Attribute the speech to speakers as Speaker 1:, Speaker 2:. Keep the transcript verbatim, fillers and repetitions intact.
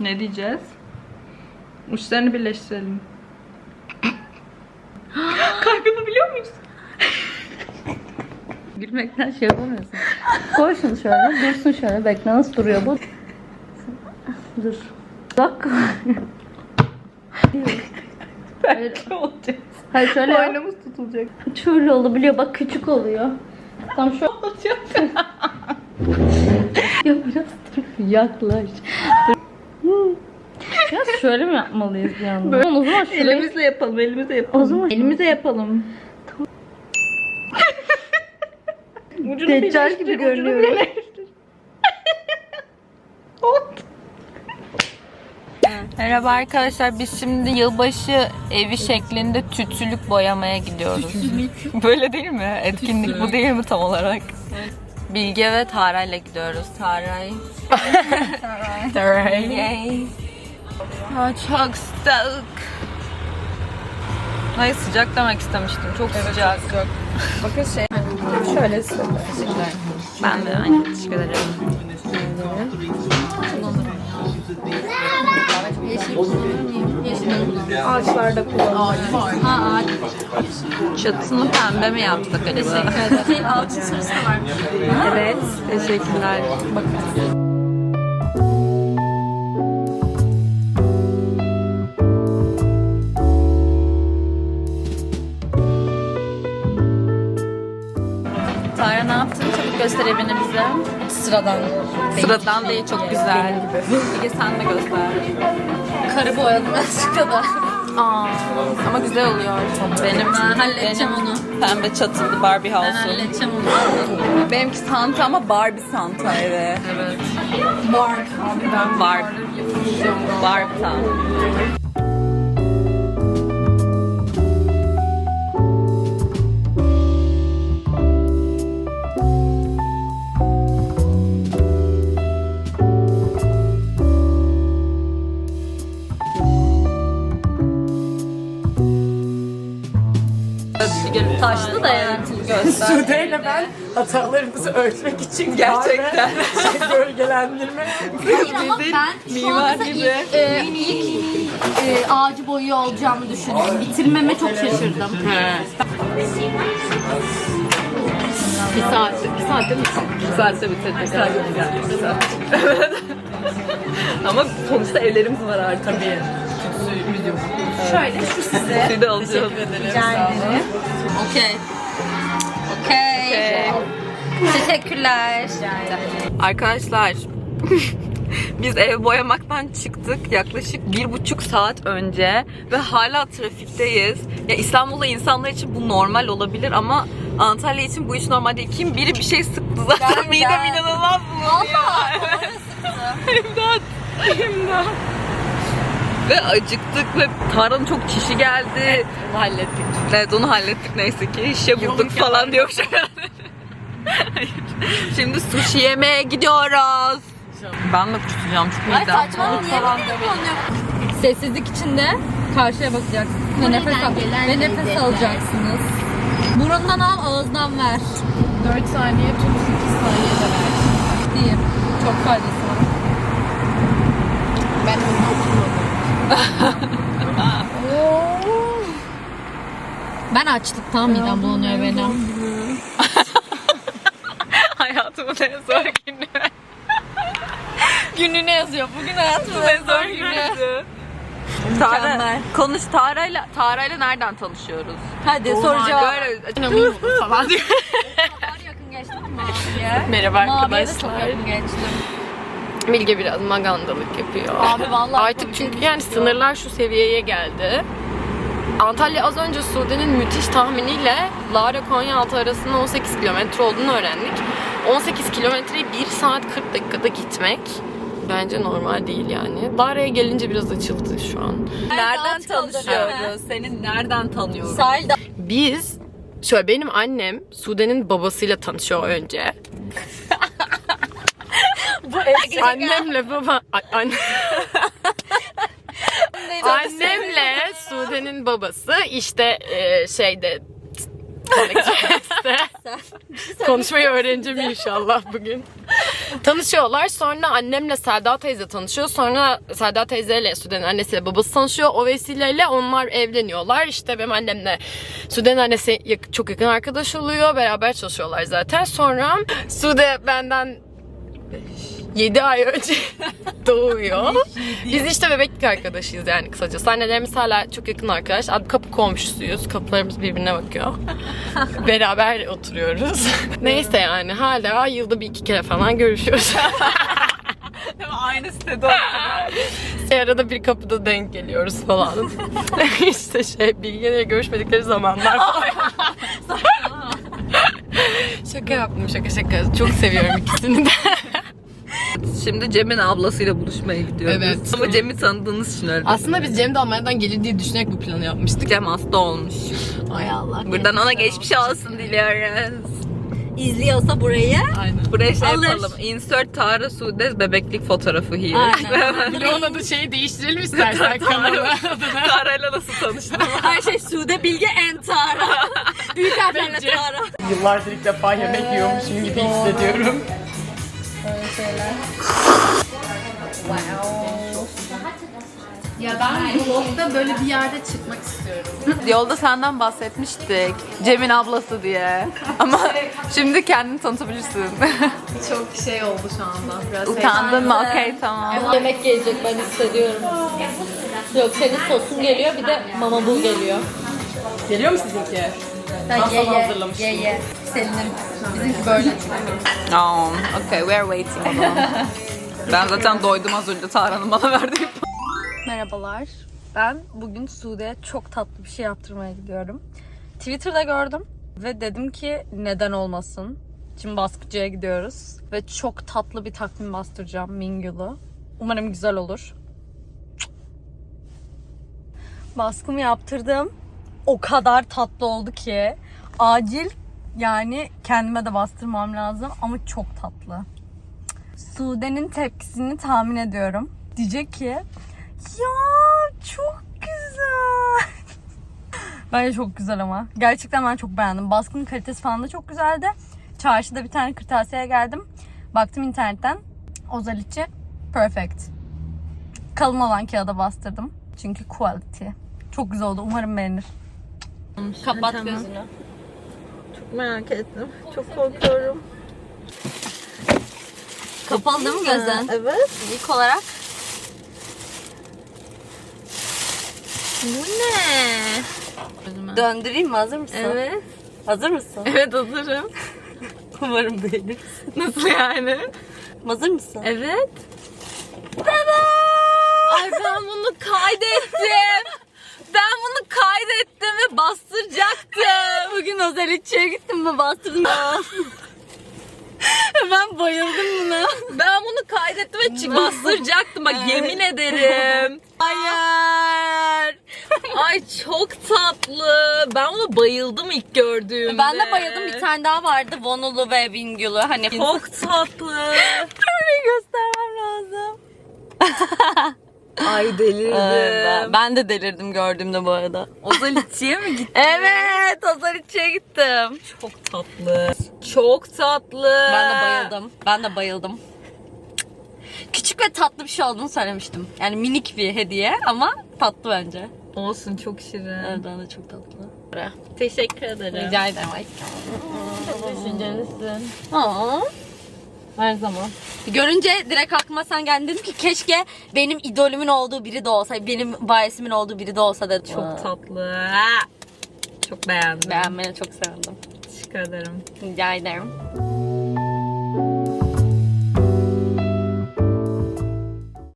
Speaker 1: Ne diyeceğiz? Uçlarını birleştirelim. Kalp yapabiliyor muyuz?
Speaker 2: Gülmekten şey yapamıyorsun. Koy şunu şöyle, dursun şöyle. Bekle, nasıl duruyor bu? Dur. Bak.
Speaker 1: Belki olacak.
Speaker 2: Hayır şöyle yap.
Speaker 1: Boynumuz tutulacak.
Speaker 2: Şöyle olabiliyor. Bak küçük oluyor. Tam şu
Speaker 1: Olacak.
Speaker 2: ya biraz dur. Yaklaş. Dur. Ya şöyle mi yapmalıyız bir anda?
Speaker 1: Böyle.
Speaker 2: O zaman şurayı...
Speaker 1: Elimizle yapalım, elimizle yapalım.
Speaker 2: O zaman elimize yapalım.
Speaker 1: Ucunu
Speaker 2: Deccal
Speaker 1: birleştir,
Speaker 2: gibi
Speaker 1: ucunu
Speaker 2: görünüyorum.
Speaker 1: birleştir. Oldu.
Speaker 3: Merhaba arkadaşlar, biz şimdi yılbaşı evi şeklinde tütsülük boyamaya gidiyoruz. Böyle değil mi? Etkinlik bu değil mi tam olarak? Bilge ve Taray'la gidiyoruz. Taray. Taray. Taray. Yay. Aa, çok sıcak. Hayır, sıcak demek istemiştim. Çok sıcak.
Speaker 1: Bakın şey, şöyle
Speaker 3: Ben de aynı. Teşekkür ederim.
Speaker 1: ağaçlarda kullanılıyor.
Speaker 3: Çatısını pembe mi yapsak acaba? Evet, teşekkürler. Bakın. Tara ne yaptın? Çabuk göster evini bize.
Speaker 2: Sıradan.
Speaker 3: Sıradan değil, çok güzel. Bilge sen de göster.
Speaker 2: Karı boyadım azıcık da.
Speaker 3: Aa, ama güzel oluyor. Benim,
Speaker 2: halledeceğim
Speaker 3: benim
Speaker 2: onu.
Speaker 3: Pembe çatılı Barbie
Speaker 2: Ben
Speaker 3: house'um.
Speaker 2: halledeceğim onu.
Speaker 3: Benimki Santa ama Barbie Santa evet. Evet.
Speaker 2: Barbie.
Speaker 3: Ben Barbie. Barbie Santa.
Speaker 2: Taşlı da yani.
Speaker 4: Sude ile ben hatalarımızı ölçmek için
Speaker 3: Gerçekten.
Speaker 4: şey, gölgelendirme.
Speaker 2: Ama ben şu
Speaker 3: mimar
Speaker 2: anda
Speaker 3: gibi.
Speaker 2: ilk, e, ilk e, ağacı boyuyor olacağımı düşündüm. Bitirmeme çok şaşırdım. Bir saat, bir saatte mi?
Speaker 3: Bir saatte bitirdik. Bir saatte bitirdik. Ama sonuçta evlerimiz var artık. Tabii.
Speaker 2: Şöyle şu size.
Speaker 3: Sizi de alacağız.
Speaker 2: Rica ederim. Okey. Okey. Teşekkürler.
Speaker 3: Arkadaşlar biz ev boyamaktan çıktık yaklaşık bir buçuk saat önce ve hala trafikteyiz. Ya İstanbul'da insanlar için bu normal olabilir ama Antalya için bu hiç normal değil. Kim biri bir şey sıktı zaten
Speaker 2: Ben-
Speaker 3: midem
Speaker 2: ben-
Speaker 3: inanılmaz bulanıyor. İmdat. İmdat. Ve acıktık ve Tara'nın çok çişi geldi.
Speaker 2: Onu hallettik.
Speaker 3: Evet onu hallettik neyse ki. İşe bulduk falan diyormuş herhalde. Hayır. Şimdi sushi yemeye gidiyoruz. Ben de kusacağım çok
Speaker 2: Ay
Speaker 3: midem.
Speaker 2: saçmalama niye böyle Sessizlik içinde karşıya bakacaksınız ve nefes, al ve nefes alacaksınız. Burundan al, ağızdan ver.
Speaker 1: dört saniye tut, sekiz saniye de ver.
Speaker 2: Diyeyim. Çok faydası var.
Speaker 1: Ben önüne oturmadım.
Speaker 2: Ben açlıktan midem bulanıyor benim.
Speaker 3: Hayatımın en zor günü.
Speaker 2: Gününe yazıyor. Bugün hayatımın
Speaker 3: en zor günü. Tara,
Speaker 2: Mükemmel.
Speaker 3: konuş Tara'yla Tara'yla nereden tanışıyoruz?
Speaker 2: Hadi soru cevap.
Speaker 3: Böyle falan diyor.
Speaker 2: Yakın geçtim maviye.
Speaker 5: Merhaba
Speaker 2: Maviye de çok
Speaker 5: arkadaşlar.
Speaker 2: yakın geçtim.
Speaker 5: Bilge biraz magandalık yapıyor.
Speaker 2: Abi vallahi
Speaker 5: Artık çünkü yani sınırlar şu seviyeye geldi. Antalya az önce Sude'nin müthiş tahminiyle Lara Konyaaltı arasında on sekiz kilometre olduğunu öğrendik. on sekiz kilometreyi bir saat kırk dakikada gitmek bence normal değil yani. Lara'ya gelince biraz açıldı şu an.
Speaker 3: Nereden
Speaker 2: aç kaldım.
Speaker 3: tanışıyoruz? Seni nereden tanıyoruz?
Speaker 2: Sahilde.
Speaker 5: Biz, şöyle benim annem Sude'nin babasıyla tanışıyor önce. Annemle baba... a- Anne... Annemle Sude'nin babası işte e, şeyde Express'te Konuşmayı öğreneceğim inşallah bugün. Tanışıyorlar. Sonra annemle Selda teyze tanışıyor. Sonra Selda teyzeyle Sude'nin annesiyle babası tanışıyor. O vesileyle onlar evleniyorlar. İşte benim annemle Sude'nin annesi yak- çok yakın arkadaş oluyor. Beraber çalışıyorlar zaten. Sonra Sude benden yedi ay önce doğuyor. Biz işte bebeklik arkadaşıyız yani kısacası. Annelerimiz hala çok yakın arkadaş. Abi kapı komşusuyuz. Kapılarımız birbirine bakıyor. Beraber oturuyoruz. Neyse yani hala yılda bir iki kere falan görüşüyoruz.
Speaker 3: Aynı sitede
Speaker 5: Arada bir kapıda denk geliyoruz falan. İşte şey Bilge'yle görüşmedikleri zamanlar falan. Şaka yaptım şaka şaka. Çok seviyorum ikisini de.
Speaker 3: Şimdi Cem'in ablasıyla buluşmaya gidiyoruz.
Speaker 5: Evet.
Speaker 3: Ama Cem'i tanıdığınız için öyle.
Speaker 5: Aslında biz Cem de Almanya'dan gelir diye düşünerek bu planı yapmıştık.
Speaker 3: Cem hasta olmuş.
Speaker 5: Ay Allah.
Speaker 3: Buradan ona geçmiş olsun diliyoruz.
Speaker 2: İzliyorsa burayı.
Speaker 5: Aynen.
Speaker 3: Buraya şey
Speaker 2: Alır.
Speaker 3: yapalım. Insert Tara Sude bebeklik fotoğrafı here.
Speaker 2: Aynen.
Speaker 5: Bir de onun adı şeyi değiştirelim istersen kanalı adına.
Speaker 3: Tara'yla nasıl tanıştın?
Speaker 2: Her şey Sude Bilge en Tara. Büyük harflerle
Speaker 5: Bence.
Speaker 2: Tara.
Speaker 4: Yıllardır ilk defa yemek yiyormuşum gibi hissediyorum.
Speaker 1: Ya ben vlogda böyle bir yerde çıkmak istiyorum.
Speaker 3: Yolda senden bahsetmiştik. Cem'in ablası diye. Ama şimdi kendini tanıtabilirsin.
Speaker 1: Çok şey oldu şu anda. Biraz
Speaker 3: Utandın mı? Okey tamam.
Speaker 2: Yemek gelecek ben hissediyorum. Yok senin sosun geliyor bir de mama bul geliyor.
Speaker 4: Geliyor mu sizinki?
Speaker 2: Sen
Speaker 4: Ben
Speaker 2: ye
Speaker 4: sana
Speaker 2: ye
Speaker 4: hazırlamıştım.
Speaker 2: ye ye. Senin bizimki böyle.
Speaker 3: Oh, okay, we are waiting o zaman. Ben zaten doydum az önce Tara'nın bana verdiği.
Speaker 2: Merhabalar. Ben bugün Sude'ye çok tatlı bir şey yaptırmaya gidiyorum. Twitter'da gördüm ve dedim ki neden olmasın. Şimdi baskıcıya gidiyoruz ve çok tatlı bir takvim bastıracağım Mingül'ü. Umarım güzel olur. Baskımı yaptırdım. O kadar tatlı oldu ki acil yani kendime de bastırmam lazım ama çok tatlı. Sude'nin tepkisini tahmin ediyorum. Diyecek ki ya çok güzel. Bence çok güzel ama. Gerçekten ben çok beğendim. Baskının kalitesi falan da çok güzeldi. Çarşıda bir tane kırtasiyeye geldim. Baktım internetten. Ozaliçi perfect. Kalın olan kağıda bastırdım. Çünkü quality. Çok güzel oldu. Umarım beğenir. Kapat gözünü.
Speaker 3: Çok merak ettim. Çok korkuyorum.
Speaker 2: Kapalı değil mi gözün?
Speaker 3: Evet.
Speaker 2: İlk olarak.
Speaker 3: Bu ne?
Speaker 2: Döndüreyim mi? Hazır mısın?
Speaker 3: Evet.
Speaker 2: Hazır mısın?
Speaker 3: Evet hazırım.
Speaker 2: Umarım beğenir.
Speaker 3: Nasıl yani?
Speaker 2: Hazır mısın?
Speaker 3: Evet. Ay ben bunu kaydettim. Ben bunu kaydettim ve bastıracaktım.
Speaker 2: Bugün Ozaliçi'ye gittim ve bastırdım. Ben bayıldım buna.
Speaker 3: Ben bunu kaydettim ve çı- bastıracaktım. Bak yemin ederim. Hayır. Ay çok tatlı. Ben buna bayıldım ilk gördüğümde.
Speaker 2: Ben de bayıldım. Bir tane daha vardı. Vonulu ve Bingül'ü. Hani
Speaker 3: Çok tatlı.
Speaker 2: Orayı göstermem lazım.
Speaker 3: Ay delirdim.
Speaker 2: Ben, ben de delirdim gördüğümde bu arada.
Speaker 3: Ozaliçi'ye mi gittin?
Speaker 2: Evet, Ozaliçi'ye gittim.
Speaker 3: Çok tatlı. Çok tatlı.
Speaker 2: Ben de bayıldım. Ben de bayıldım. Küçük ve tatlı bir şey olduğunu söylemiştim. Yani minik bir hediye ama tatlı bence.
Speaker 3: Olsun çok şirin.
Speaker 2: Evet, ben de çok tatlı.
Speaker 3: Teşekkür ederim.
Speaker 2: Rica ederim.
Speaker 3: Düşüncelisin.
Speaker 2: Aa.
Speaker 3: Her zaman.
Speaker 2: Görünce direkt aklıma sen geldin, dedim ki keşke benim idolümün olduğu biri de olsa, benim bayesimin olduğu biri de olsa dedim.
Speaker 3: Çok tatlı. Çok beğendim.
Speaker 2: Beğenmeni çok sevindim.
Speaker 3: Teşekkür ederim.
Speaker 2: Rica ederim.